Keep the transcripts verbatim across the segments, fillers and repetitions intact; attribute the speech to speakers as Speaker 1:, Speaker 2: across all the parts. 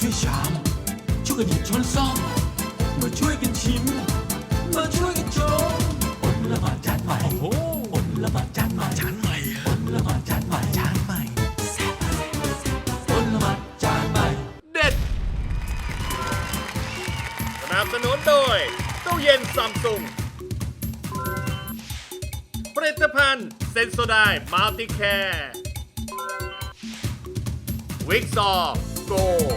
Speaker 1: ช่วยชามช่วยกันหยิบช้อนซ่อมมาช่วยกันชิมมาช่วยกันชมอดละหมาดจานใหม่โอ้อดละหมาดจานใหม่จานใหม่อดละหมาดจานใหม่จานใหม่อดละหมาดจานใหม่เด็ดสนับสนุนโดยตู้เย็นซัมซุงผลิตภัณฑ์เซนโซไดมัลติแคร์วิกซอร์โก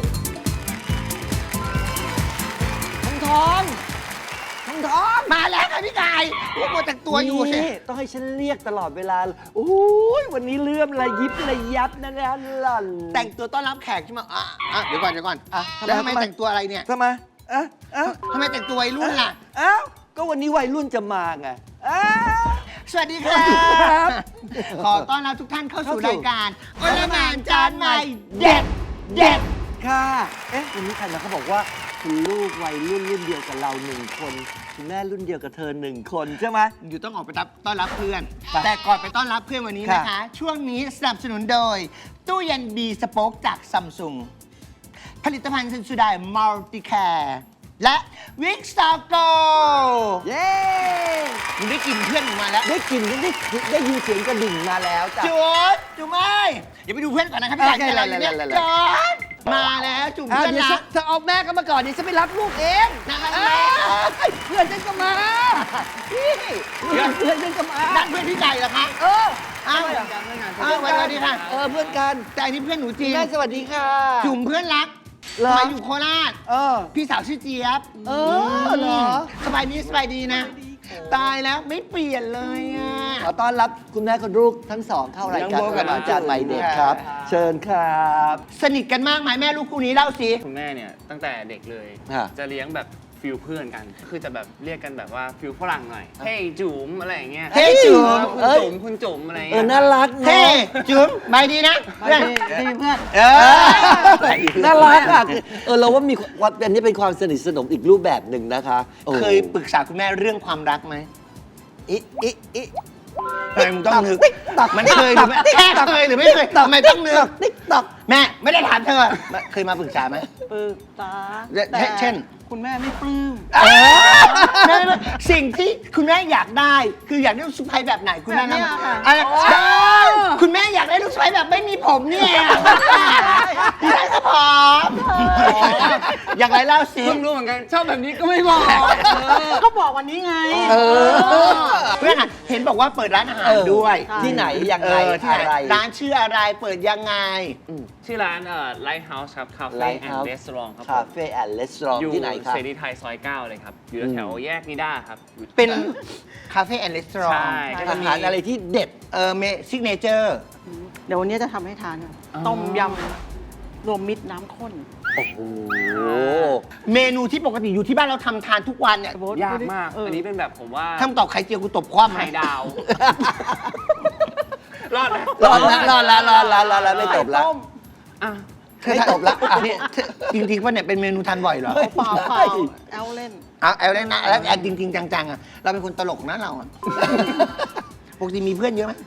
Speaker 2: ทองทองทองทองมาแล้วค่ะพี่กายพวกโมแต่งตัวอยู่สิต้องให้ฉันเรียกตลอดเวลาโอ้ยวันนี้เลื่อมระยิบระยับนะนะหล่อนแต่งตัวต้อนรับแขกใช่ไหมอ่ะอ่ะเดี๋ยวก่อนเดี๋ยวก่อนอ่ะแล้วทำไมแต่งตัวอะไรเนี่ยทำไมอ่ะอ่ะทำไมแต่งตัววัยรุ่นล่ะอ้าวก็วันนี้วัยรุ่นจะมาไงสวัสดีครับขอต้อนรับทุกท่านเข้าสู่รายการอลหม่านจานใหม่เด็ดเด็ดค่ะเอ๊ะวันนี้ใครมาเขาบอกว่าคุณลูกวัยรุ่นรุ่นเดียวกับเราหนึ่งคนคุณแม่รุ่นเดียวกับเธอหนึ่งคนใช่ไหมอยู่ต้องออกไปต้อนรับเพื่อนแต่ก่อนไปต้อนรับเพื่อนวันนี้นะคะช่วงนี้สนับสนุนโดยตู้เย็นดีสป็อคจากซัมซุงผลิตภัณฑ์เซนซูไดมัลติแคร์และวิกซาโกเย้มึงได้กลิ่นเพื่อนมึงมาแล้วได้กลิ่นได้ได้ยินเสียงกระดิ่งมาแล้วจ้ะจุ๊ดจุ๊บไม่เดี๋ยวไปดูเพื่อนก่อนนะครับพี่ชายใจเราอยู่เนี่ยจุ๊ดมาแล้วจุ๊บเพื่อนนะเธอเอาแม่ก็มาก่อนเดี๋ยวฉันไปรับลูกเองนะครับเพื่อนฉันก็มาพี่เพื่อนเพื่อนฉันก็มานั่นเพื่อนพี่ไก่เหรอคะเอออ้าวอ้าวสวัสดีค่ะเออเพื่อนกันแต่อันนี้เพื่อนหนูจริงแม่สวัสดีค่ะจุ๋มเพื่อนรักมาอยู่โคราชเออพี่สาวชื่อเจี๊ยบเออเหรอสบายดีสบายดีนะตายแล้วไม่เปลี่ยนเลยอ่ะขอต้อนรับคุณแม่คุณลูกทั้งสองเข้ารายการกับอาจารย์ใหม่เด็กครับเชิญครับสนิทกันมากไหมแม่ลูกคู่นี้เล่าสิ
Speaker 3: คุณแม่เนี่ยตั้งแต่เด็กเลยจะเลี้ยงแบบฟิลเพื่อนกันคือจะแบบเรียกกันแบบว่าฟิลฝรั่งหน่อยเฮ้ยจุ๋มอะไรอย่างเงี้ย
Speaker 2: เฮ้ยจุ๋ม
Speaker 3: คุณจุ๋มคุณจุ๋มอะไรเงี้ย
Speaker 2: เออน่ารักเฮ้ยจุ๋มไปดีนะเพื่อนเพื่อนเออน่ารักอ่ะเออเราว่ามีว่าอันนี้เป็นความสนิทสนมอีกรูปแบบหนึ่งนะคะเคยปรึกษาคุณแม่เรื่องความรักไหมอิอิอิทำไมมึงต้องนึกมันเคยหรือไม่แค่เคยหรือไม่เคยทำไมต้องนึกติ๊กตอกแม่ไม่ได้ถามเธอเคยมาปรึกษาไหม
Speaker 4: ปรึกษา
Speaker 2: เช่น
Speaker 4: คุณแม่ไม่ปลื้ม
Speaker 2: สิ่งที่คุณแม่อยากได้คืออยากได้ลูกสะใภ้แบบไหนคุณแม่นะคุณแม่อยากได้ลูกสะใภ้แบบไม่มีผมเนี่ยพี่ได้ก็พร้อมอยากไรเล่าสิ
Speaker 3: เพิ่งรู้เหมือนกันชอบแบบนี้ก็ไม่บอก
Speaker 4: ก็บอกวันนี้ไง
Speaker 2: เพื่อนเห็นบอกว่าเปิดร้านอาหารด้วยที่ไหนยังไงอะไรร้านชื่ออะไรเปิดยังไง
Speaker 3: ชื่อร้านเอ่อ Lighthouse ครับ Cafe and Restaurant ครับ
Speaker 2: Cafe and Restaurant ที่ไหนครับ
Speaker 3: เสรีไทยซอยเก้าเลยครับอยู่แถวแยกนิด้าครับ
Speaker 2: เป็นคาเฟ่แอนด์รีสอร์ท
Speaker 3: ใช่
Speaker 2: อาหารอะไรที่เด็ดเออเมซิกเนเจอร์
Speaker 4: เดี๋ยววันนี้จะทำให้ทานต้มยำรวมมิตรน้ำข้น
Speaker 2: โอ้โหเมนูที่ปกติอยู่ที่บ้านเราทำทานทุกวันเนี่ย
Speaker 3: ยากมากอันนี้เป็นแบบผมว่า
Speaker 2: ทำตอบไข่เจียวกูตบคว่ำ
Speaker 3: ไข่ดาวรอด
Speaker 2: รอดแล้วรอดแล้วรอดแล้วรอดแล้วไม่ตบแล้วไม่ตบแล้วนี่จริงๆว่าเนี่ยเป็นเมนูทานบ่อยเหรอ
Speaker 4: เปล่าเปล่าแอลเล่น
Speaker 2: เอาแอลเล่นนะแล้วแอลจริงๆจังๆอ่ะเราเป็นคนตลกนะเราอ่ะปกติมีเพื่อนเยอะไหม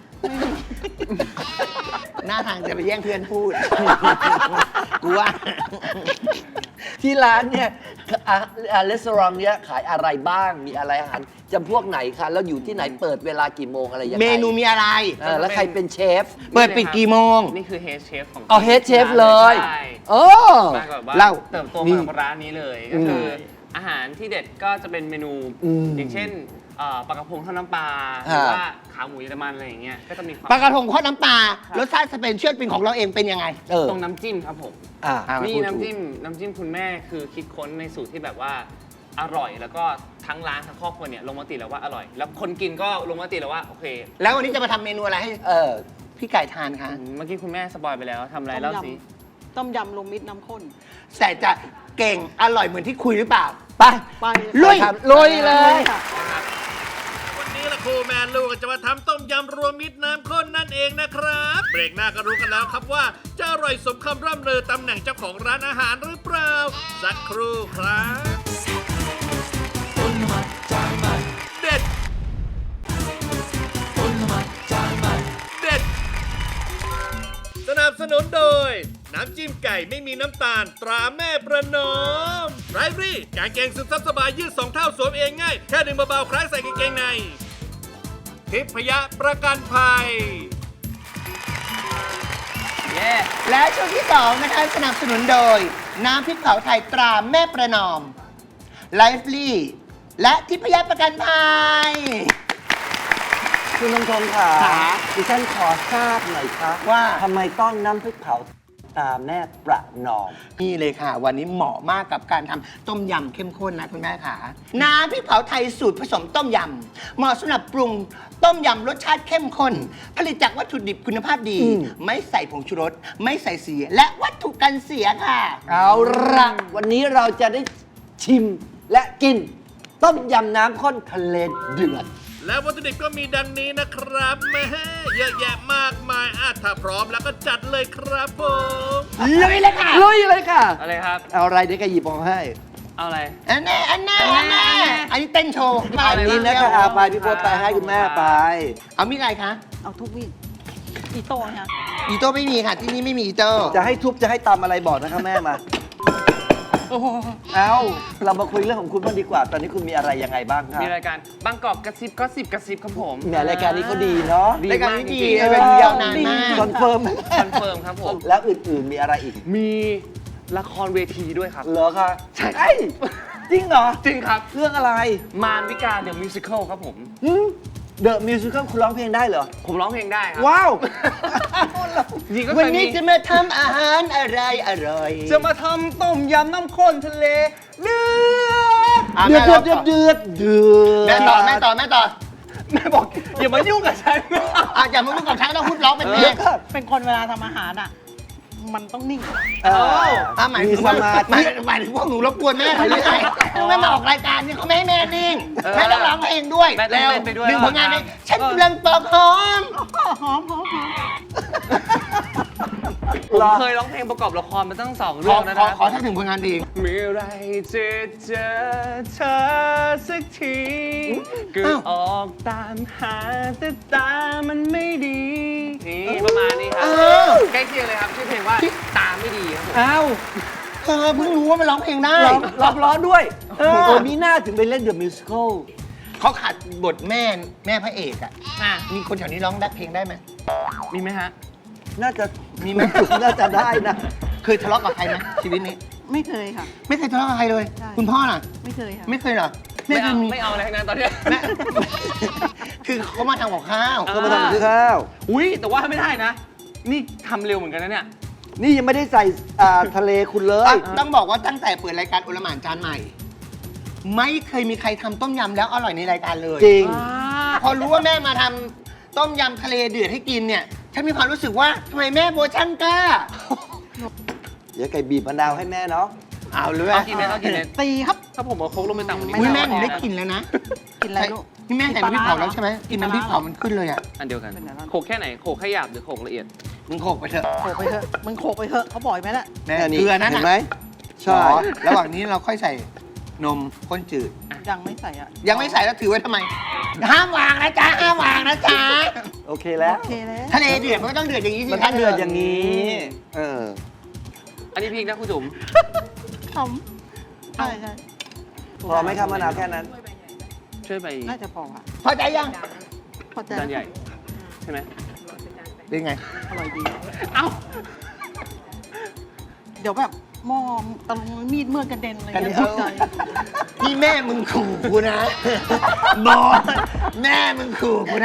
Speaker 2: หน้าทางจะไปแย่งเพื่อนพูดกูว่าที่ร้านเนี่ยร้านอาหารเนี่ยขายอะไรบ้างมีอะไรอาหารจำพวกไหนคะแล้วอยู่ที่ไหนเปิดเวลากี่โมงอะไรยังไงเมนูมีอะไรแล้วใครเป็นเชฟเปิดปิดกี่โมง
Speaker 3: นี่คือเฮดเชฟของ
Speaker 2: อ๋อเฮดเชฟเลยโอ้
Speaker 3: เล่าเติบโตมากับร้านนี้เลยก็คืออาหารที่เด็ดก็จะเป็นเมนูอย่างเช่นปลากระพงทอดน้ำปลาหรือว่าขาหมูเยอรมันอะไรอย่างเงี้ยก็จะมี
Speaker 2: ปลากระพงทอดน้ำปลารสชาติสเปนเชียลเป็นของเราเองเป็นยังไง
Speaker 3: ตรงน้ำจิ้มครับผมนี่น้ำจิ้มน้ำจิ้มคุณแม่คือคิดค้นในสูตรที่แบบว่าอร่อยแล้วก็ทั้งร้านทั้งครอบครัวเนี่ยลงมติแล้วว่าอร่อยแล้วคนกินก็ลงมติแล้วว่าโอเค
Speaker 2: แล้ววันนี้จะมาทำเมนูอะไรให้พี่ไก่ทานคะ
Speaker 3: เมื่อกี้คุณแม่สปอยไปแล้วทำอะไรเล่าสิ
Speaker 4: ต้มยำรวมมิตรน้ำข้น
Speaker 2: แต่จะเก่งอร่อยเหมือนที่คุยหรือเปล่าไป
Speaker 4: ไป
Speaker 2: ลุยลุยเลย
Speaker 1: วันนี้ละครูแมนลูกจะมาทำต้มยำรวมมิตรน้ำข้นนั่นเองนะครับเบรกหน้าก็รู้กันแล้วครับว่าจะอร่อยสมคำร่ำลือตำแหน่งเจ้าของร้านอาหารหรือเปล่าสักครู่ครับเด็ดเด็ดสนับสนุนโดย
Speaker 5: น้ำจิ้มไก่ไม่มีน้ำตาลตราแม่ประนอมไรฟรี่กางเกงซึมซับสบายยืดสองเท่าสวมเองง่ายแค่ดึงเบาๆคล้ายใส่กางเกงในทิพยประกันภัย
Speaker 3: เย้
Speaker 2: และช่วงที่สองนะคะสนับสนุนโดย น้ำพริกเผาไทยตราแม่ประนอมไลฟ์ลี่และทิพยประกันภัย
Speaker 6: คุณทงทงค่ะ
Speaker 2: ค่ะ
Speaker 6: ดิฉันขอทราบหน่อยครับ
Speaker 2: ว่า
Speaker 6: ทำไมต้องน้ำพริกเผาตาแม่ประนอม
Speaker 2: นี่เลยค่ะ วันนี้เหมาะมากกับการทำต้มยำเข้มข้นนะคุณแม่ค่ะน้ำพริกเผาไทยสูตรผสมต้มยำเหมาะสำหรับปรุงต้มยำรสชาติเข้มข้น ผลิตจากวัตถุดิบคุณภาพดี
Speaker 6: อืม
Speaker 2: ไม่ใส่ผงชูรส ไม่ใส่สีและวัตถุกันเสียค่ะ
Speaker 6: เอาละวันนี้เราจะได้ชิมและกิน ต้มยำน้ำข้นทะเลเดือด
Speaker 5: และวัตถุดิบก็มีดังนี้นะครับแม่เยอะแยะมากมายอ่ะถ้าพร้อมแล้วก็จัดเลยครับผม
Speaker 2: ลุยเลยค่ะ
Speaker 6: ลุยเลยค่ะ
Speaker 3: อะไรครับ
Speaker 6: เอาอะไรเดี๋ยวแกหยิบออกให้
Speaker 3: เอาอะไร
Speaker 2: อันแน่อันแน่อันแน่อันนี้เต้นโชว์
Speaker 6: อันนี้นะคะเอาไปพี่โพสไปให้คุณแม่ไป
Speaker 2: เอามีดอะไรคะ
Speaker 4: เอาทุกมีดอีโต้เนี่ย
Speaker 2: อีโต้ไม่มีค่ะ ที่นี่ไม่มีอีโต้
Speaker 6: จะให้ทุบจะให้ตำอะไรบอกนะคะแม่มา เอาเรามาคุยเรื่องของคุณบ้างดีกว่า ตอนนี้คุณมีอะไรยังไงบ้างครับ
Speaker 3: มีรายการบางกอกกระซิบก็สิบกระซิบครับผม
Speaker 6: แหมรายการนี้เขาดีเนาะ
Speaker 3: ดี
Speaker 2: รายการ
Speaker 3: มาก
Speaker 2: นี้
Speaker 3: จ
Speaker 2: ดี
Speaker 3: ริง
Speaker 2: เป็นยาวนานมาก
Speaker 6: คอนเฟิร์ม
Speaker 3: ๆคอนเฟิร์มครับผม
Speaker 6: แล้วอื่นๆมีอะไรอีก
Speaker 3: มีละครเวทีด้วยครับ
Speaker 6: เหรอคะ
Speaker 3: ใช่
Speaker 6: เอ้ยจริงเหรอ
Speaker 3: จริงครับ
Speaker 6: เรื่องอะไร
Speaker 3: มารวิกาเดอะมิวสิควลครับผม
Speaker 6: เดอะมิวสิคลคุณร้องเพลงได้เหรอ
Speaker 3: ผมร้องเพลงได้ครับ
Speaker 6: ว้าว
Speaker 3: จริงก็
Speaker 2: วัน
Speaker 3: เคย
Speaker 2: นี้
Speaker 3: มี
Speaker 2: จะมาทำอาหารอะไรอร่อย
Speaker 3: จะมาทำต้มยำน้ำข้นทะเลเดือด
Speaker 2: อ่ะ
Speaker 6: เดือด
Speaker 2: แม่
Speaker 6: เดือด
Speaker 2: ร้อง
Speaker 6: เดือดเดือด
Speaker 2: แม่ต่อแม่ต่อแม่ต่อ
Speaker 3: แม่บอกอย่ามายุ่งกับฉัน
Speaker 2: อ่ะอย่ามาพูดกับฉันต้องพูดร้องเป็นเพล
Speaker 6: เดี๋ย
Speaker 2: ง
Speaker 6: วก่อน
Speaker 4: เป็นคนเวลาทำอาหารอ่ะ มันต้องนิ่ง
Speaker 6: เออ
Speaker 2: อ่ะหมาย
Speaker 6: มี
Speaker 2: ถึง
Speaker 6: ส
Speaker 2: ว่า
Speaker 6: มา
Speaker 2: หมาย
Speaker 6: ธิ
Speaker 2: หมายถึงพวกหนูรบกวนแม่เขาหรือไงแม่มาออกรายการเนี่ยเขาไม่ให้แม่นิ่งแม่ต้องร้องเพลงด้วย
Speaker 3: แม่ต้องเต้นไปด้วย
Speaker 2: หนึ่งผลงานนี้ฉันกำลังปอกหอม
Speaker 4: ก็หอมหอมหอม
Speaker 3: ผมเคยร้องเพลงประกอบละครมาตั้งสอง
Speaker 2: ข
Speaker 3: เรื่
Speaker 2: อ
Speaker 3: องนะ
Speaker 2: ขอ
Speaker 3: นะ
Speaker 2: ขอสักหนึ่งผลงานเพลง
Speaker 3: เมื่อไรจะเจอเธอสักทีก็
Speaker 2: อ้าว
Speaker 3: ออกตามหาแต่ตามันไม่ดี นี่ประมาณนี้ครับ
Speaker 2: อ้าว
Speaker 3: ใกล้เคียงเลยครับชื่อเพลงว่าตาไม่ดีครับผม
Speaker 6: อ้าว
Speaker 2: เออเพิ่งรู้ว่ามันร้องเพลงได้
Speaker 6: ร้องร้องร้องด้วย
Speaker 2: เออ
Speaker 6: โอ้มีหน้าถึงไปเล่นเดอะมิวสิคล
Speaker 2: เขาขาดบทแม่แม่พระเอกอ่ะ
Speaker 3: อ่ะ
Speaker 2: มีคนแถวนี้ร้องได้เพลงได้ไหม
Speaker 3: มีไหมฮะ
Speaker 6: น่าจะ
Speaker 2: มีไหม
Speaker 6: น่าจะได้นะ
Speaker 2: เคยทะเลาะกับใครไหมชีวิตนี้
Speaker 4: ไม่เคยค่ะ
Speaker 2: ไม่เคยทะเลาะกับใครเลย
Speaker 4: ใช่
Speaker 2: คุณพ่อล่ะ
Speaker 4: ไม่เคยค่ะ
Speaker 2: ไม่เคยเหรอ
Speaker 3: ไม่
Speaker 2: เค
Speaker 3: เอา
Speaker 2: ยมี
Speaker 3: ไม่เอาอะไรทั้งนั้นตอนเนี้ย
Speaker 2: แม่ คือเขามาทำกับข้าว
Speaker 3: อ่า
Speaker 6: ก็มาทำกับข้าว
Speaker 3: อุ้ยแต่ว่าไม่ได้นะ นี่ทำเร็วเหมือนกันนะเนี่ย
Speaker 6: นี่ยังไม่ได้ใส่อ่าทะเลคุณเลย
Speaker 2: อ่ะต้องบอกว่าตั้งแต่เปิดรายการโอลหม่านจานใหม่ ไม่เคยมีใครทำต้มยำแล้วอร่อยในรายการเลย
Speaker 6: จริง
Speaker 2: พอรู้ว่าแม่มาทำต้มยำทะเลเดือดให้กินเนี่ยฉันมีความรู้สึกว่าทำไมแม่โบช่างกล้า
Speaker 6: เดี๋ยวไก่บีบมะนาวให้แม่เนาะ
Speaker 2: เอาเลย
Speaker 3: เอากินไหมเอากินไหม
Speaker 4: ตีครับ
Speaker 3: ถ้าผมเอาโค้กลงไปตักมัน
Speaker 2: อุ้ยแม่หนูได้กลินแล้วนะ
Speaker 4: กินอะไรลูก
Speaker 2: นี่แม่ใส่น้ำพริกเผาแล้วใช่ไหมกินน้ำพริกเผามันขึ้นเลยอ่ะ
Speaker 3: อันเดียวกัน
Speaker 4: เป็นไงบ้าง
Speaker 3: โขกแค่ไหนโขกแค่หยาบหรือโขกละเอียด
Speaker 2: มึงโขกไปเถอะ
Speaker 4: โขกไปเถอะ มึงโขกไปเถอะเขาบ่อยไหมล่ะ
Speaker 2: แม่
Speaker 6: อันนี้
Speaker 2: เกลือนั่น
Speaker 6: เห็
Speaker 2: น่ะ
Speaker 6: นไหมใช่
Speaker 2: หรอระหว่างนี้เราค่อยใส่นมข้นจืด
Speaker 4: ยังไม่ใส่อ่ะ
Speaker 2: ยังไม่ใส่แล้วถือไว้ทำไม ห้ามวางนะจ๊ะ ห้ามวางนะจ๊ะ
Speaker 6: โอเคแล้ว
Speaker 4: โอเคแล้ว
Speaker 2: ทะเลเดือดมันก็ต้องเดือดอย่างนี้สิ
Speaker 6: มันต้องเดือดอย่างนี้ เออ
Speaker 3: อันนี้พริกนะคุณจุ๋ม
Speaker 4: ทำใช่ใช่
Speaker 6: พอไหมครับมะนาวแค่นั้น
Speaker 3: ช่วยไป
Speaker 4: น่าจะพอค่ะ
Speaker 2: พอใจยัง
Speaker 4: พอใจ
Speaker 3: จานใหญ่ใช่ไหม
Speaker 2: เป็นไง
Speaker 4: อร่อยดี
Speaker 3: เอ้า
Speaker 4: เดี๋ยวแบบหม้อตะลงมีดเมื่อกกระเด็นอะไร
Speaker 2: กระเด็
Speaker 4: เงี้
Speaker 2: น
Speaker 4: ยตกใจ
Speaker 2: นี่แม่มึงขู่กูนะ บอสแม่มึงขู่กูนะ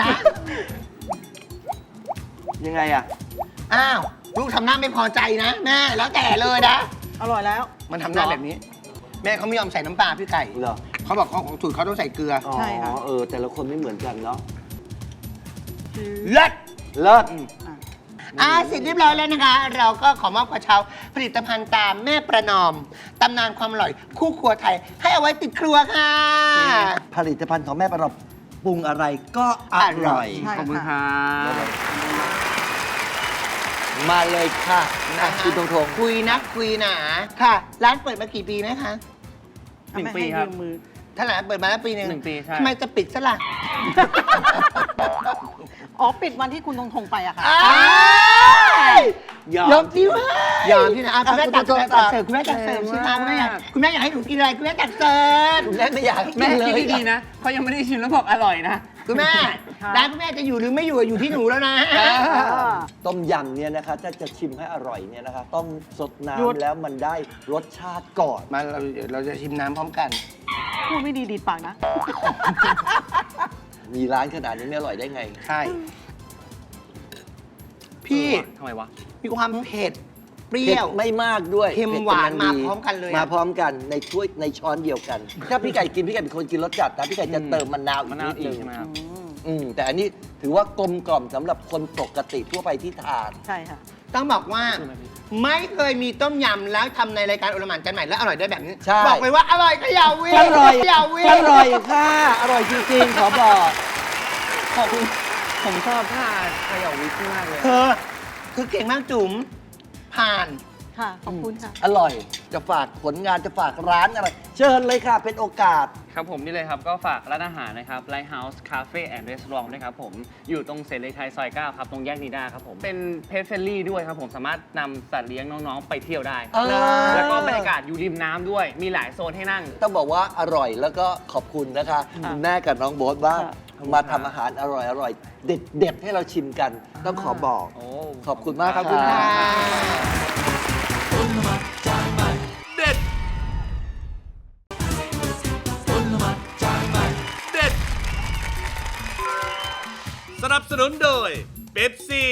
Speaker 6: ยังไงอ่ะ
Speaker 2: อ้าว ลูกทำหน้าไม่พอใจนะ แม่แล้วแต่เลยนะ
Speaker 4: อร่อยแล้ว
Speaker 2: มันทำหน้าแบบนี้ แม่เขาไม่ยอมใส่น้ำปลาพี่ไก่
Speaker 6: เหรอ
Speaker 2: เขาบอกของของสูตรเขาต้องใส่เกลือ
Speaker 6: อ๋อ
Speaker 4: ใช่ค่ะ
Speaker 6: เออ แต่ละคนไม่เหมือนกันเนาะ
Speaker 2: เลิศ
Speaker 6: เลิศ
Speaker 2: อ่าเสร็จเรียบร้อยแล้วนะคะ เราก็ขอมอบกระเช้าผลิตภัณฑ์ตามแม่ประนอม ตำนานความอร่อย คู่ครัวไทย ให้เอาไว้ติดครัวค่ะ
Speaker 6: ผลิตภัณฑ์ของแม่ประนอมปรุงอะไรก็อร่อย
Speaker 4: ใช่
Speaker 3: ขอบคุณค
Speaker 4: ค่ะ
Speaker 3: รับ
Speaker 6: มาเลยค่ะ
Speaker 2: นะ
Speaker 6: คุณตรงทง
Speaker 2: คุยนักคุยหนาค่ะ ร้านเปิดมากี่ปีนะคะ
Speaker 3: หนึ่ง
Speaker 4: ไม่
Speaker 3: ปี
Speaker 4: ให้
Speaker 3: ครับ
Speaker 4: ยืมมือ
Speaker 2: ถ้าร้านเปิดมาแล้วปีหนึ่ง
Speaker 3: หนึ่งปีใช่
Speaker 2: ทำไมจะปิดซะล่ะ
Speaker 4: อ๋อ ปิดวันที่คุณทงทงไปอะค่ะ
Speaker 2: อ้ายยอม
Speaker 6: ยอมที่ว่าย
Speaker 2: อมที่นะอ่ะคุณแม่ตัก
Speaker 6: คุณ
Speaker 2: เสิ
Speaker 6: แม่
Speaker 2: ร์ฟ
Speaker 6: ตัก
Speaker 2: ตักเสิร์ฟคุณแม่ตักเสิร์ฟชิมมาคุณแม่อยากคุณแม่อยากให้หนูกินอะไรคุณแม่ตักเสิร์ฟ
Speaker 6: คุณแม่ไม่อยากกิ
Speaker 3: แม่
Speaker 6: นเล
Speaker 3: คิด
Speaker 6: ย
Speaker 3: ดีๆนะเขายังไม่ได้ชิมแล้วบอกอร่อยนะ
Speaker 2: คุณแม่ร้านคุณแม่จะอยู่หรือไม่อยู่อยู่ที่หนูแล้วนะ
Speaker 6: ต้มยำเนี่ยนะคะถ้าจะชิมให้อร่อยเนี่ยนะคะ ต้องสด
Speaker 2: หยุด
Speaker 6: น้ำแล้วมันได้รสชาติก่อน
Speaker 2: มาเราเดี๋ยวเราจะชิมน้ำพร้อมกัน
Speaker 4: พูดไม่ดีดีดปากนะ
Speaker 6: มีร้านขนาดนี้ไม่อร่อยได้ไง
Speaker 2: ใช่ พี่
Speaker 3: ทำไมวะ
Speaker 2: มีความเผ็ด เปรี้
Speaker 6: เผ็
Speaker 2: ย
Speaker 6: ด
Speaker 2: ว
Speaker 6: ไม่มากด้วย
Speaker 2: เค็ม
Speaker 6: ผ็ด
Speaker 2: หวาน
Speaker 6: กำลังดี
Speaker 2: มาพร้อมกันเลยอะ
Speaker 6: มาพร้อมกันในถ้วยในช้อนเดียวกัน ถ้าพี่ไก่กินพี่ไก่เป็นคนกินรสจัดนะพี่ไก่จะ
Speaker 3: อืม
Speaker 6: เติมมะนาวอี
Speaker 3: มะ
Speaker 6: ก
Speaker 3: นาว
Speaker 6: นิด
Speaker 3: อี
Speaker 6: นึ
Speaker 3: ก
Speaker 6: ง
Speaker 3: ใช่ไหมครับ
Speaker 6: อืมแต่อันนี้ถือว่ากลมกล่อมสำหรับคนปกติทั่วไปที่ทาน
Speaker 4: ใช่ค่ะ
Speaker 2: ต้องบอกว่า ไม่เคยมีต้มยำแล้วทำในรายการโอลหม่านกันใหม่แล้วอร่อยได้แบบนี้
Speaker 6: ใช่
Speaker 2: บอกเลยว่าอร่อยก็อย่าวิ่ง
Speaker 6: อร่อย
Speaker 2: อย่าวิ่ง
Speaker 6: อร่อยค่ะ อร่อยจริงๆ ขอบอก
Speaker 3: ขอบคุณผมชอบท่าเขย่าวิกมากเลย
Speaker 2: เธอคือเก่งมากจุ๋มผ่าน
Speaker 4: ค่ะ ขอบคุณค่ะ
Speaker 6: อร่อย จะฝากผลงานจะฝากร้านอะไร เชิญเลยค่ะ เป็นโอกาส
Speaker 3: ครับผมนี่เลยครับ ก็ฝากร้านอาหารนะครับ Lighthouse Cafe and Restaurant ด้วยครับผม อยู่ตรงเสรีไทยซอยเก้าครับ ตรงแยกนีด้าครับผม เป็นเพจเฟรนลี่ด้วยครับผม สามารถนำสัตว์เลี้ยงน้อง ๆ ไปเที่ยวได้ครับ
Speaker 6: เออ
Speaker 3: แล้วก็บรรยากาศอยู่ริมน้ำด้วย มีหลายโซนให้นั่ง
Speaker 6: ต้องบอกว่าอร่อยแล้วก็ขอบคุณนะคะ คุณแม่กับน้องโบ๊ทว่า
Speaker 3: ค่ะ
Speaker 6: มาทำอาหารอร่อยอร่อยเด็ดเด็ดๆให้เราชิมกัน ต้องขอบอก
Speaker 3: โอ้
Speaker 6: ขอบคุณมาก
Speaker 2: ขอบคุณ
Speaker 6: ะ
Speaker 2: ค่ะ
Speaker 1: อลหม่านจานใหม่
Speaker 5: เด็ด
Speaker 1: อลหม่านจานใหม่
Speaker 5: เด็ด สนับสนุนโดยเบปซี่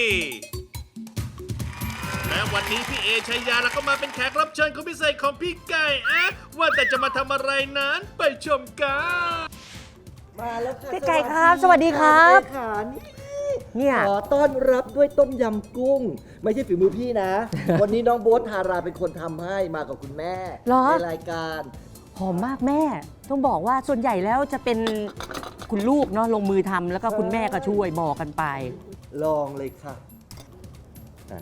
Speaker 5: และวันนี้พี่เอชัยยาแล้วก็มาเป็นแขกรับเชิญคนพิเศษของพี่ไก่อะว่าแต่จะมาทำอะไรนั้นไปชมกัน
Speaker 6: มาแล้วค่ะ
Speaker 7: พี่ไก่ครับสวัสดีครับ
Speaker 6: สวัสดีค่ะนี่
Speaker 7: เนี่ย
Speaker 6: ขอต้อนรับด้วยต้มยำกุ้ง ไม่ใช่ฝีมือพี่นะ วันนี้น้องโบ๊ทธาราเป็นคนทำให้มากับคุณแม่
Speaker 7: เหรอ
Speaker 6: ในรายการ
Speaker 7: หอมมากแม่ ต้องบอกว่าส่วนใหญ่แล้วจะเป็นคุณลูกเนาะลงมือทำแล้วก็คุณแม่ก็ช่วยบอกกันไป
Speaker 6: ลองเลยค่ะอ่ะ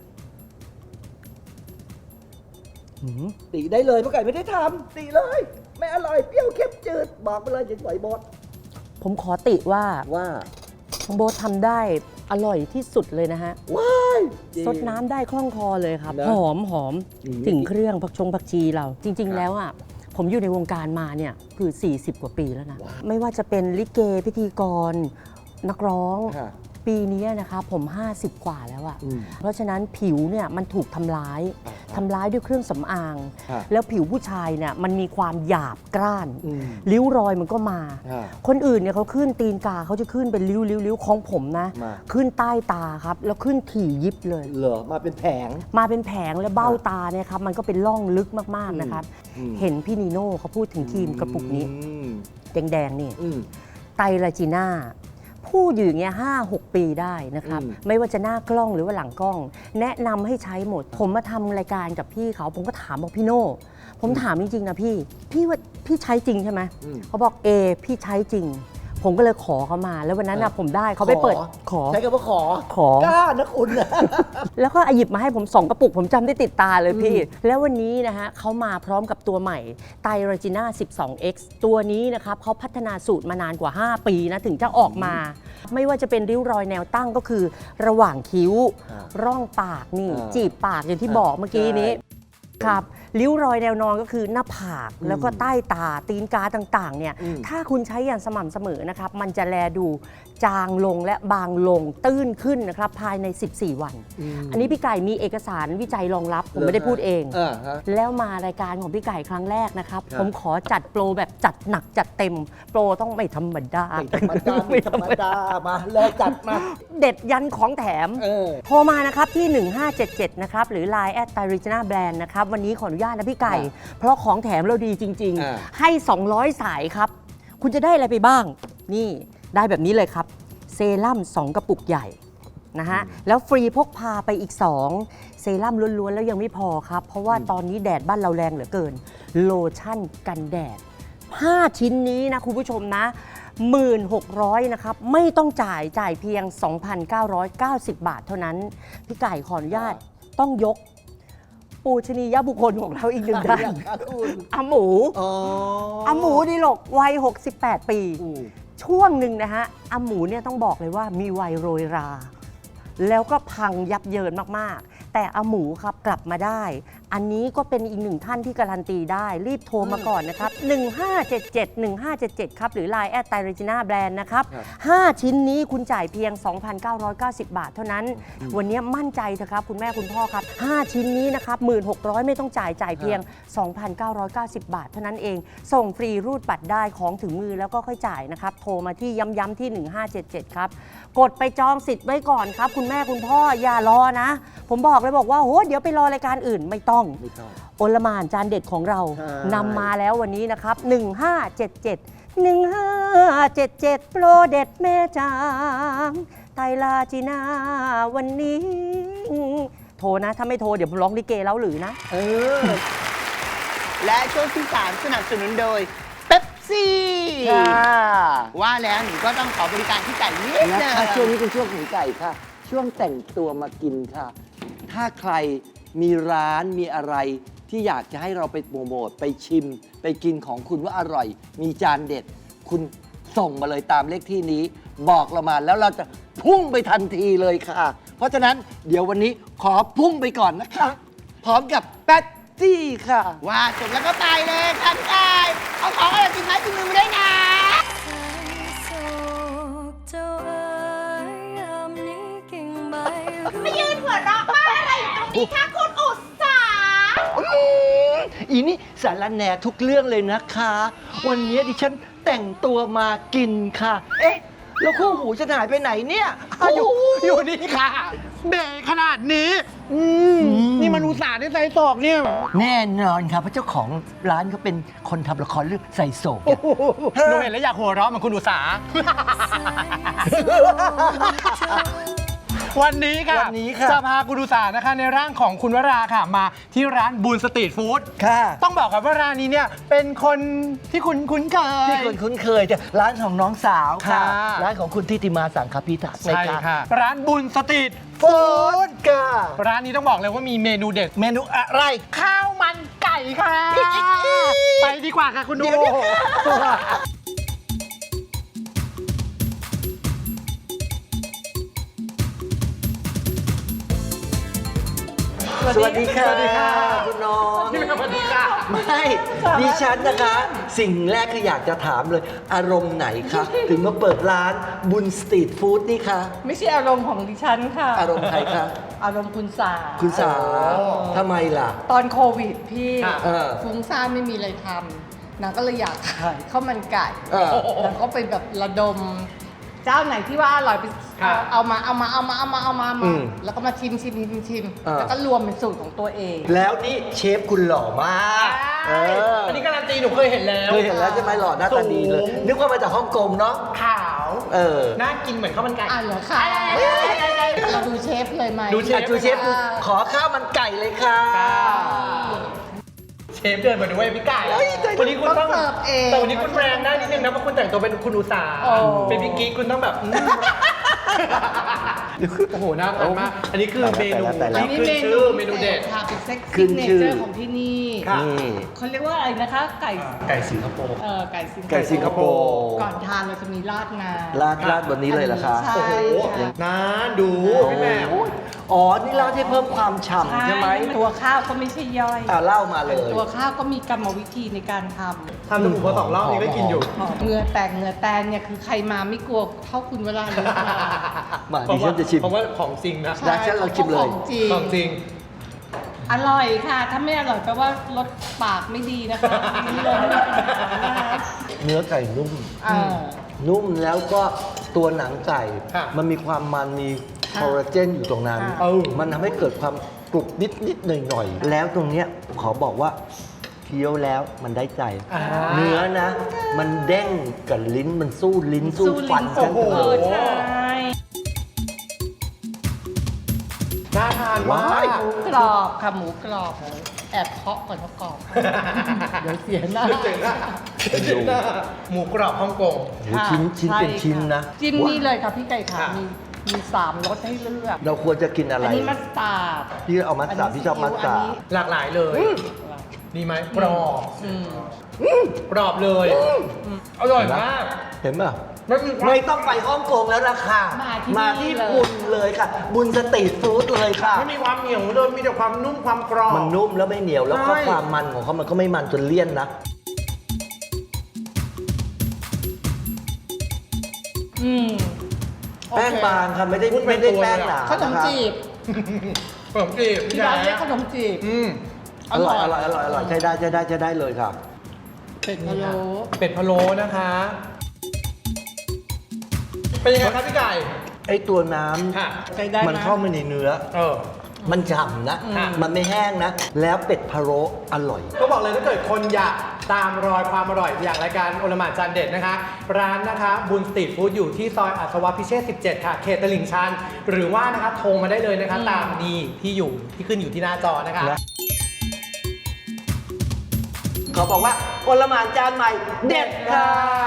Speaker 7: หืม
Speaker 6: ติได้เลยพ่อไก่ไม่ได้ทำติเลย ไม่อร่อยเปรี้ยวเค็มจืดบอกไปเลยอย่าปล่อยบด
Speaker 7: ผมขอติว่า
Speaker 6: ว่า
Speaker 7: น้องโบ๊ททำได้อร่อยที่สุดเลยนะฮะ
Speaker 6: ว้ายจริง
Speaker 7: ซดน้ำได้คล่องคอเลยครับ
Speaker 6: นะ
Speaker 7: หอมหอม
Speaker 6: อืม
Speaker 7: ถึงเครื่องผักชงผักชีเรา จริง ๆ แล้วอ่ะผมอยู่ในวงการมาเนี่ยคือ สี่สิบ กว่าปีแล้วนะ ไม่ว่าจะเป็นลิเกพิธีกร นักร้อง
Speaker 6: ค่ะ
Speaker 7: ปีนี้นะครับผม ห้าสิบ กว่าแล้วอะ
Speaker 6: อืม
Speaker 7: เพราะฉะนั้นผิวเนี่ยมันถูกทำร้าย
Speaker 6: อ่า
Speaker 7: ทำร้ายด้วยเครื่องสำอาง
Speaker 6: ฮะ
Speaker 7: แล้วผิวผู้ชายเนี่ยมันมีความหยาบกร้าน
Speaker 6: อืม
Speaker 7: ริ้วรอยมันก็มา
Speaker 6: ฮะ
Speaker 7: คนอื่นเนี่ยเขาขึ้นตีนกาเขาจะขึ้นเป็นริ้วริ้วริ้วของผมนะ
Speaker 6: มา
Speaker 7: ขึ้นใต้ตาครับ แล้วขึ้นถี่ยิบเลย
Speaker 6: เหรอมาเป็นแผง
Speaker 7: มาเป็นแผงและเบ้าตาเนี่ยครับมันก็เป็นร่องลึกมากๆนะครับ
Speaker 6: อืม
Speaker 7: เห็นพี่นีโน่เขาพูดถึงครีมกระปุกนี้
Speaker 6: อืม
Speaker 7: แดงๆนี่
Speaker 6: อืม
Speaker 7: ไตรลาจีน่าพูดอยู่อย่างเงี้ยห้าหกปีได้นะครับ
Speaker 6: อืม
Speaker 7: ไม่ว่าจะหน้ากล้องหรือว่าหลังกล้อง แนะนำให้ใช้หมด ผมมาทำรายการกับพี่เขา ผมก็ถามบอกพี่โน่ ผมถามจริง ๆ นะพี่ พี่ว่าพี่ใช้จริงใช่ไหม
Speaker 6: อืม
Speaker 7: เขาบอกเอพี่ใช้จริง ผมก็เลยขอเขามา แล้ววันนั้นนะผมได้เขาไปเปิดขอ
Speaker 6: ใช้คำว่าขอ
Speaker 7: ขอ
Speaker 6: กล้านะคุณนะ
Speaker 7: แล้วก็หยิบมาให้ผมสองกระปุก ผมจำได้ติดตาเลยพี่ แล้ววันนี้นะฮะเขามาพร้อมกับตัวใหม่ไตรจีน่า สิบสอง เอ็กซ์ ตัวนี้นะครับเขาพัฒนาสูตรมานานกว่า ห้า ปีนะ ถึงจะออกมา ไม่ว่าจะเป็นริ้วรอยแนวตั้งก็คือ ระหว่างคิ้ว
Speaker 6: อ่า
Speaker 7: ร่องปากนี่
Speaker 6: อ่า
Speaker 7: จีบปากอย่างที่บอกเมื่อกี้นี้ ครับริ้วรอยแนวนอนก็คือหน้าผาก แล้วก็ใต้ตาตีนกาต่างๆเนี่ย
Speaker 6: อืม
Speaker 7: ถ้าคุณใช้อย่างสม่ำเสมอนะครับมันจะแลดูจางลงและบางลงตื้นขึ้นนะครับภายใน สิบสี่ วัน
Speaker 6: ม
Speaker 7: อันนี้พี่ไก่มีเอกสารวิจัยรองรับ ผม
Speaker 6: เหรอ
Speaker 7: ไม่ได้พูดเอง
Speaker 6: อ่าฮะ
Speaker 7: แล้วมารายการของพี่ไก่ครั้งแรกนะครับ
Speaker 6: ครับ
Speaker 7: ผมขอจัดโปรแบบจัดหนักจัดเต็ม โปรต้องไม่ธรรมดา
Speaker 6: ไม่ธรรมดาไม่ธรรมดามาเลยจัดมา
Speaker 7: เด็ดยันของแถม
Speaker 6: เออ
Speaker 7: โทรมานะครับที่ หนึ่งห้าเจ็ดเจ็ด นะครับ หรือ ไลน์ แอท ไตรจีน่า แบรนด์ นะครับ วันนี้ขออนุญาตนะพี่ไก่ เพราะของแถมเราดีจริง
Speaker 6: อ่า
Speaker 7: ๆ ให้ สองร้อย สายครับ คุณจะได้อะไรไปบ้าง นี่ได้แบบนี้เลยครับ เซรั่มสองกระปุกใหญ่นะฮะ แล้วฟรีพกพาไปอีก สอง เซรั่มล้วนๆ แล้วยังไม่พอครับ เพราะว่าตอนนี้แดดบ้านเราแรงเหลือเกิน โลชั่นกันแดด ห้า ชิ้นนี้นะคุณผู้ชมนะ หนึ่งหมื่นหกพัน นะครับ ไม่ต้องจ่ายจ่ายเพียง สองพันเก้าร้อยเก้าสิบ บาทเท่านั้น พี่ไก่ขออนุญาตต้องยก ปูชนียบุคคลของเราอีกหนึ่งท่าน
Speaker 6: ค่ะคุณ
Speaker 7: อาหมู
Speaker 6: อ๋อ
Speaker 7: อาหมูดีหลกวัย หกสิบแปด ปี
Speaker 6: อืม
Speaker 7: ช่วงหนึ่งนะฮะอาหมูเนี่ยต้องบอกเลยว่ามีวัยโรยรา แล้วก็พังยับเยินมาก ๆแต่อาหมูครับกลับมาได้ อันนี้ก็เป็นอีกหนึ่งท่านที่การันตีได้รีบโทรมาก่อนนะครับ หนึ่งห้าเจ็ดเจ็ด หนึ่งห้าเจ็ดเจ็ด ครับหรือ ไลน์ แอดไตเรจิน่าแบรนด์นะครับห้าชิ้นนี้คุณจ่ายเพียง สองพันเก้าร้อยเก้าสิบ บาทเท่านั้น วันนี้มั่นใจเถอะครับคุณแม่คุณพ่อครับห้าชิ้นนี้นะครับหนึ่งหมื่นหกพัน ไม่ต้องจ่ายจ่ายเพียง สองพันเก้าร้อยเก้าสิบ บาทเท่านั้นเองส่งฟรีรูดบัตรได้ของถึงมือแล้วก็ค่อยจ่ายนะครับโทรมาที่ย้ำๆที่หนึ่งห้าเจ็ดเจ็ดครับกดไปจองสิทธิ์ไว้ก่อนครับคุณแม่คุณพ่ออย่ารอนะผมบอกเลยบอกว่าโหเดี๋ยวไปรอรายการอื่นไม่ต้อง
Speaker 6: ไม่ต้อง
Speaker 7: โอลหม่านจานเด็ดของเรา
Speaker 6: ใช่
Speaker 7: นำมาแล้ววันนี้นะครับหนึ่งห้าเจ็ดเจ็ด หนึ่งห้าเจ็ดเจ็ด โปรเด็ดแม่จางไตรลาจีนาวันนี้ โทรนะ ถ้าไม่โทรเดี๋ยวผมร้องลิเกแล้วหรือนะ
Speaker 6: เออ
Speaker 2: และช่วงที่สามสนับสนุนโดยเป๊ปซี่
Speaker 6: ค่ะ
Speaker 2: ว่าแล้วหนูก็ต้องขอบริการที่ไก่นิด
Speaker 6: นะ
Speaker 2: นึง
Speaker 6: คะช่วงนี้เป็นช่วงของไก่ค่ะ ช่วงแต่งตัวมากินค่ะ ถ้าใครมีร้านมีอะไรที่อยากจะให้เราไปโปรโมทไปชิม ไปกินของคุณว่าอร่อย มีจานเด็ด คุณส่งมาเลยตามเลขที่นี้ บอกเรามาแล้วเราจะพุ่งไปทันทีเลยค่ะ เพราะฉะนั้นเดี๋ยววันนี้ขอพุ่งไปก่อนนะคะ พร้อมกับแป๊ตตี้ค่ะ
Speaker 2: ว่าจบแล้วก็ไปเลยค่ะพี่ไก่เอาของอะไรกินไม้กินมือมาได้วยนะ
Speaker 8: มายืนหัวเราะบ้าอะไรอยู่ตรงนี้คะคุณอุตสาห
Speaker 6: อืมอีนี่สารแหน่ทุกเรื่องเลยนะคะ วันนี้ดิฉันแต่งตัวมากินค่ะ เอ๊ะ แล้วคู่หูจะหายไปไหนเนี่ยอ้าวอยู่อยู่นี่ค่ะ
Speaker 2: เบรขนาดนี้
Speaker 6: อืม
Speaker 2: นี่มันอุตส่าห์ได้ใส่ศอกเนี่ย
Speaker 6: แน่นอนครับเพราะเจ้าของร้านเขาเป็นคนทำละครเรื่องใส่โศก
Speaker 2: หนูเห็นแล้วอยากหัวเราะเหมือนคุณอุตสาห์ วันนี้ค่ะ
Speaker 6: วันนี้ค่ะ
Speaker 2: จะพาคุณอุตสาห์นะคะในร่างของคุณวราค่ะ มาที่ร้านบูนสตรีทฟู้ด
Speaker 6: ค่ะ
Speaker 2: ต้องบอกครับว่าร้านนี้เนี่ยเป็นคนที่คุณคุ้นเคย
Speaker 6: ที่คุณคุ้นเคยจะร้านของน้องสาวค่ะ
Speaker 2: ค่ะ
Speaker 6: ร้านของคุณทิติมาสังคพิทักษ์
Speaker 2: ใช่
Speaker 6: น
Speaker 2: ค่ะ ร้านบุญสตรีท
Speaker 6: ฟู้ดค่ะ
Speaker 2: ร้านนี้ต้องบอกเลยว่ามีเมนูเด็ด
Speaker 6: เมนูอะไร
Speaker 2: ข้าวมันไก่ค่ะ ไปดีกว่าค่ะคุณดู
Speaker 6: เดี๋ยวๆ สวัสดีค่ะ
Speaker 2: สวัสดีค่ะ
Speaker 6: คุณน้อง
Speaker 2: สวัสดีค่ะ
Speaker 6: ไม่ดิฉันนะคะ สิ่งแรกคืออยากจะถามเลย อารมณ์ไหนคะ ถึงมาเปิดร้านบุญสตรีทฟู้ดนี่คะ
Speaker 4: ไม่ใช่อารมณ์ของดิฉันค่ะ
Speaker 6: อารมณ์ใครคะ
Speaker 4: อารมณ์คุณสา
Speaker 6: คุณสาทำไมล่ะ
Speaker 4: ตอนโควิดพี่
Speaker 2: ค่ะ
Speaker 6: เออ
Speaker 4: ฟุ้งซ่านไม่มีอะไรทำนางก็เลยอยากขายข้าวมันไก่
Speaker 6: เออ
Speaker 4: นางก็ไปแบบระดม เจ้าไหนที่ว่าอร่อยไป
Speaker 2: ค่ะ
Speaker 4: เอามาเอามาเอามาเอามาเอามาเอา
Speaker 6: อื
Speaker 4: มาม แล้วก็มาชิมชิมชิมชิม
Speaker 6: เออ
Speaker 4: แล้วก็รวมเป็นสูตรของตัวเอง
Speaker 6: แล้วนี่เชฟคุณหล่อมากเออ
Speaker 2: อันนี้การันตีหนูเคยเห็นแล้ว
Speaker 6: เคยเห็นแล้วใช่ไหมหล่อหน้าตาดีเลย
Speaker 2: สูง
Speaker 6: นึกว่ามาจากฮ่องกงเนาะ
Speaker 2: ขาว
Speaker 6: เออ
Speaker 2: น่ากินเหมือนข้าวมันไก่
Speaker 4: อ่ะเหรอคะเราดูเชฟเลยไหม
Speaker 2: ดูเชฟ
Speaker 6: อ่ะจูเชฟดูขอข้าวมันไก่เลยค่ะ
Speaker 2: เชฟเดินมาด้วยพี่ไก่
Speaker 6: เฮ้ยใจ
Speaker 2: วันนี้คุณต้อง
Speaker 4: เสิร์ฟเอง
Speaker 2: แต่วันนี้คุณแรงได้นิดนึงนะเพราะคุณแต่งตัวเป็นคุณอุตสาห์
Speaker 4: โอ้
Speaker 2: เป็นพี่กิ๊กคุณต้องแบบอืมโอ้โหน่าทานมาก อันนี้คือเมนู
Speaker 6: แต่ละ
Speaker 2: นี่คือชื่อเมนูเด็ด
Speaker 4: ค่ะเป็นเซ็ก
Speaker 6: ขึ้
Speaker 4: ซี่
Speaker 6: น
Speaker 4: เน
Speaker 6: ชื่อ
Speaker 4: เจอร์ของที่นี่
Speaker 2: ค่ะ
Speaker 6: นี่
Speaker 4: เขาเรียกว่าอะไรนะคะ ไก่
Speaker 2: ไก่สิงคโปร์
Speaker 4: เออไก่สิงคโปร์
Speaker 6: ไก่สิงคโปร์
Speaker 4: ก่อนทานเราจะมีราดงา
Speaker 6: ราดราดบนนี้เลยเหรอคะ
Speaker 4: ใช่
Speaker 2: โอ้โห
Speaker 4: ค่ะ
Speaker 2: น่าดูพี่แหม่ม
Speaker 6: อ๋อ นี่ราดให้เพิ่มความฉ่ำใช่ไหม
Speaker 4: ตัวข้าวก็ไม่ใช่ย่อย
Speaker 6: อ่าเล่ามาเลย
Speaker 4: ตัวข้าวก็มีกรรมวิธีในการท
Speaker 2: ทำจมูกพอสองรอบนี้ก็กินอยู่
Speaker 4: ำเหงื่อแตกเหงื่อแตนเนี่ยคือใครมาไม่กลัวเท่าคุณเวลาเลยค่ะ
Speaker 6: มาดิฉันจะชิม
Speaker 2: เพราะว่าของจริงนะ
Speaker 6: ได้ฉันลองชิมเลย
Speaker 4: ของจริง
Speaker 2: ของจริง
Speaker 4: อร่อยค่ะ ถ้าไม่อร่อยแปลว่ารสปากไม่ดีนะคะนี่เลยไม่มีปัญหานะคะ
Speaker 6: เนื้อไก่นุ่ม
Speaker 4: เออ
Speaker 6: นุ่มแล้วก็ตัวหนังไก่
Speaker 2: ค่ะ
Speaker 6: มันมีความมันมีคอลลาเจนอยู่ตรงนั้น
Speaker 4: ค่ะ
Speaker 2: เออ
Speaker 6: มันทำให้เกิดความกรุบนิดนิดหน่อยหน่อยๆ แล้วตรงเนี้ยขอบอกว่าเคี้ยวแล้วมันได้ใจ
Speaker 2: อ่า
Speaker 6: เนื้อนะ มันเด้งกับลิ้นมันสู้ลิ้นสู้ฟัน
Speaker 4: สู้
Speaker 6: กัน
Speaker 4: ลิ้น
Speaker 2: โอ้โห
Speaker 4: เออใช่
Speaker 2: น่าทานมาก
Speaker 4: หมูกรอบค่ะหมูกรอบแอบเคาะก่อนว่ากรอบ เดี๋ยวเสียหน้า
Speaker 2: เดี๋ยวเจ๋งอะเดี๋ยวเจ๋งอะหมูกรอบฮ่องกง
Speaker 6: โอ้โหชิ้นชิ้นเป็นชิ้นนะ
Speaker 4: จิ้มนี่เลยค่ะพี่ไก่ค่ะ
Speaker 2: ค่ะ
Speaker 4: มีมีสามรสให้เลือก
Speaker 6: เราควรจะกินอะไร
Speaker 4: อันนี้มัสตาร์ด
Speaker 6: พี่เอามัสตาร์ดพี่ชอบมัสตาร์ด
Speaker 2: หลากหลายเลยดีไหมกรอบ
Speaker 4: อืม
Speaker 2: กรอบเลย อร่อยมาก
Speaker 6: เห็นป่ะ
Speaker 2: ไม่ต้องไปฮ่องกงแล้วนะค่ะ
Speaker 4: มาที่
Speaker 2: มา
Speaker 4: นี่
Speaker 2: ที่
Speaker 4: เลย
Speaker 2: บุญเลยค่ะ บุญสตรีทฟู้ดเลยค่ะ
Speaker 9: ไม่มีความเหนียวเลยมีแต่ความนุ่มความกรอบ
Speaker 2: มันนุ่มแล้วไม่เหนียวแล้วก็
Speaker 9: ใช่
Speaker 2: ความมันของเขามันก็ไม่มันจนเลี่ยนนะ
Speaker 4: อืม
Speaker 2: แป้งบางค่ะไม่ได้ไม่ได้แป้งหนา
Speaker 4: ขนมจีบ
Speaker 9: ขนมจีบ
Speaker 4: ที่ร้านเรียกขนมจีบ
Speaker 9: อืม
Speaker 2: อร่อยอร่อยอร่อยอร่อยใช้ได้ใช้ได้ใช้ได้เลยค่ะ
Speaker 4: เป็ดพะโล้
Speaker 9: เป็ดพะโล้นะคะ เป็นยังไงครับพี่ไก่
Speaker 2: ไอ้ตัวน้
Speaker 9: ค่ะ
Speaker 4: ใช้ได้
Speaker 2: ำ
Speaker 4: ไห
Speaker 2: มันเข้ามาในเนื้อ
Speaker 9: เออ
Speaker 2: มันฉ่ำนะ
Speaker 9: ค่ะ
Speaker 2: มันไม่แห้งนะ แล้วเป็ดพะโล้อร่อย
Speaker 9: ก็บอกเลยถ้าเกิดคนอยากตามรอยความอร่อยอย่างรายการโอลหม่านจานเด็ดนะคะ ร้านนะคะบุญสตรีทฟู้ดอยู่ที่ซอยอัศวพิเชษสิบเจ็ดค่ะ เขตตลิ่งชัน หรือว่านะคะโทรมาได้เลยนะคะ ตามนี้ที่อยู่ที่ขึ้นอยู่ที่หน้าจอนะคะ
Speaker 2: นะ เขาบอกว่าโอลหม่านจานใหม่เด็ดค่ะ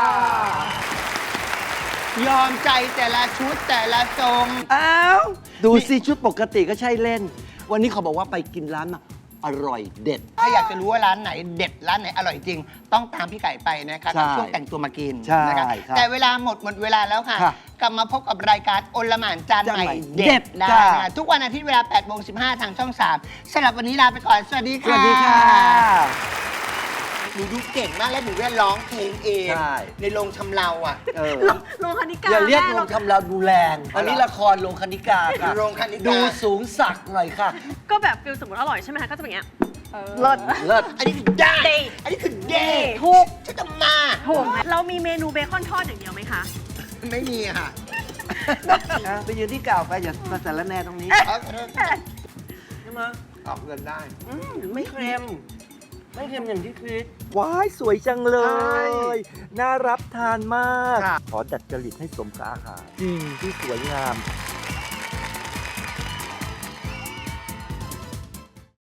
Speaker 10: ยอมใจแต่ละชุดแต่ละทรง
Speaker 2: อ้าวดูสิชุดปกติก็ใช่เล่น วันนี้เขาบอกว่าไปกินร้านมาอร่อยเด็ด
Speaker 10: ถ้าอยากจะรู้ว่าร้านไหนเด็ดร้านไหนอร่อยจริง ต้องตามพี่ไก่ไปนะครับ
Speaker 2: ใช่
Speaker 10: กับช่วงแต่งตัวมากิน
Speaker 2: ใช่
Speaker 10: นะครับ
Speaker 2: ครับ
Speaker 10: แต่เวลาหมดหมดเวลาแล้วค่ะ
Speaker 2: ค่ะ
Speaker 10: กลับมาพบกับรายการโอลหม่านจานใหม่
Speaker 2: จานใหม่
Speaker 10: เด็
Speaker 2: เด็
Speaker 10: ด
Speaker 2: ด
Speaker 10: ได้
Speaker 2: จ้า
Speaker 10: นะทุกวันอาทิตย์เวลาแปดโมงสิบห้าทางช่องสามสำหรับวันนี้ลาไปก่อน สวัสดี
Speaker 2: ส
Speaker 10: ค่ะ
Speaker 2: วัสดีค่ะ
Speaker 10: หนูดูเก่งมากและหนูได้ร้องเพลงเอง
Speaker 2: ใช่
Speaker 10: ในโรงชำเราอ่ะ
Speaker 2: เออ
Speaker 8: โลคณิกา
Speaker 2: อย่าเรียก
Speaker 8: แม่
Speaker 2: โรงทำเราดูแรง อันนี้ละครโรงคณิกาค่ะ
Speaker 10: โรงคณิกา
Speaker 2: ดูสูงสักหน่อยค่ะ
Speaker 8: ก็แบบฟิลสมมติอร่อยใช่ไหมคะก็จะเป็นอย่างเงี้ย
Speaker 2: เลิศเลิศ
Speaker 10: อันนี้คือได้ อันนี้คือเด
Speaker 8: ถูก
Speaker 10: ฉันจะมา
Speaker 8: ถูกไหมเรามีเมนูเบคอนทอดอย่างเดียวไหมคะ
Speaker 10: ไม่มีค่ะ
Speaker 2: อ่ะไปยืนที่เก่าไปอย่ามาสารแน่ตรงนี้
Speaker 10: เอาเถอะ
Speaker 2: ใช่ไหม
Speaker 9: ออกเงินได้
Speaker 2: อืมไม่เค็ม ไม่เค็มอย่างที่คิดว้ายสวยจังเลย น่ารับทานมาก ขอดัดจริตให้สมกับอาหารจริงที่สวยงาม